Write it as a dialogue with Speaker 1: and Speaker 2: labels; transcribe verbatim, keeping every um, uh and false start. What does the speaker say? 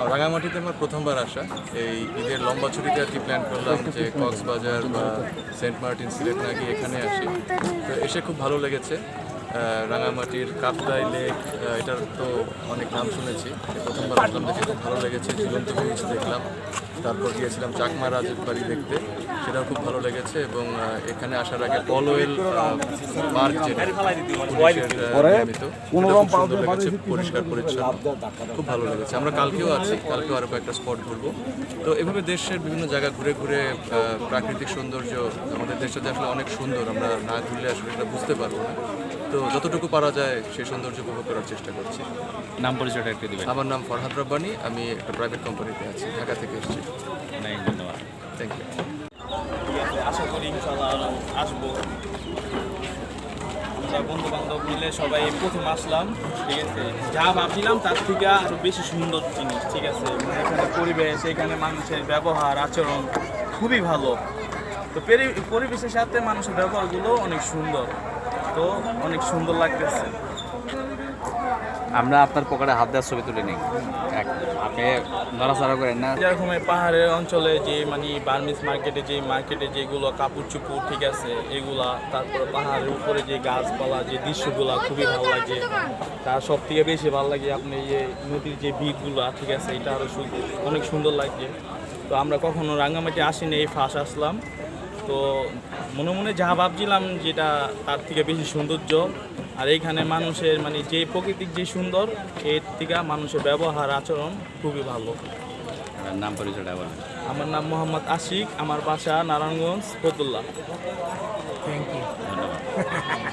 Speaker 1: রাঙামাটিতে আমার প্রথমবার আসা। এই ঈদের লম্বা ছুটিতে আর কি প্ল্যান করলাম যে কক্সবাজার বা সেন্ট মার্টিন সিলেট না গিয়ে এখানে আসি। তো এসে খুব ভালো লেগেছে। রাঙামাটির কাপ্তাই লেক, এটার তো অনেক নাম শুনেছি, প্রথমবার আসলাম, দেখে খুব ভালো লেগেছে। ঝুলন্ত ব্রিজ দেখলাম, তারপর গিয়েছিলাম চাকমা রাজের বাড়ি দেখতে, সেটাও খুব ভালো লেগেছে। এবং এখানে আসার আগে পলওয়েল পার্ক যেটা পুলিশের নির্মিত, খুব সুন্দর লেগেছে, পরিষ্কার পরিচ্ছন্ন, খুব ভালো লেগেছে। আমরা কালকেও আছি, কালকেও আরও কয়েকটা স্পট ঘুরবো। তো এভাবে দেশের বিভিন্ন জায়গা ঘুরে ঘুরে প্রাকৃতিক সৌন্দর্য, আমাদের দেশটা যে আসলে অনেক সুন্দর, আমরা না ঘুরলে আসলে এটা বুঝতে পারবো না। তো যতটুকু পারা যায় সেই সৌন্দর্য উপভোগ করার চেষ্টা করছি।
Speaker 2: নাম পরিচয়টা একটু দিবেন?
Speaker 1: আমার নাম ফরহাদ রব্বানী, আমি একটা প্রাইভেট কোম্পানিতে আছি, ঢাকা থেকে এসেছি।
Speaker 2: অনেক ধন্যবাদ।
Speaker 1: Thank you.
Speaker 3: ঠিক আছে, আশা করি ইনশাল্লাহ আরও আসবো। আমরা বন্ধু বান্ধব মিলে সবাই প্রথম আসলাম, ঠিক আছে। যা ভাবছিলাম তার থেকে আরও বেশি সুন্দর জিনিস, ঠিক আছে। মানে এখানে পরিবেশ, এখানে মানুষের ব্যবহার আচরণ খুবই ভালো। তো পরিবেশের সাথে মানুষের ব্যবহারগুলো অনেক সুন্দর, তো অনেক সুন্দর লাগতেছে।
Speaker 2: আমরা আপনার পকেটে হাত দেওয়ার ছবি তুলে নিই, আপনি নড়াচড়া করেন না।
Speaker 3: যেরকম পাহাড়ের অঞ্চলে যে মানে বার্মিস মার্কেটে যে মার্কেটে যেগুলো কাপড় চুপুর, ঠিক আছে, এগুলা, তারপরে পাহাড়ের উপরে যে গাছপালা, যে দৃশ্যগুলা খুবই ভালো লাগে। তার সব থেকে বেশি ভালো লাগে আপনি যে নদীর যে বিচগুলা, ঠিক আছে, এটা আরও অনেক সুন্দর লাগে। তো আমরা কখনো রাঙ্গামাটি আসিনি, এই ফার্স্ট আসলাম। তো মনে মনে যা ভাবছিলাম যেটা তার থেকে বেশি সৌন্দর্য। আর এইখানে মানুষের মানে যে প্রকৃতিক যে সুন্দর, এর থেকে মানুষের ব্যবহার আচরণ খুবই ভালো।
Speaker 2: নাম পরিচয়টা বলেন?
Speaker 3: আমার নাম মোহাম্মদ আশিক, আমার বাসা নারায়ণগঞ্জ ফতুল্লা।
Speaker 4: Thank you.
Speaker 2: ধন্যবাদ।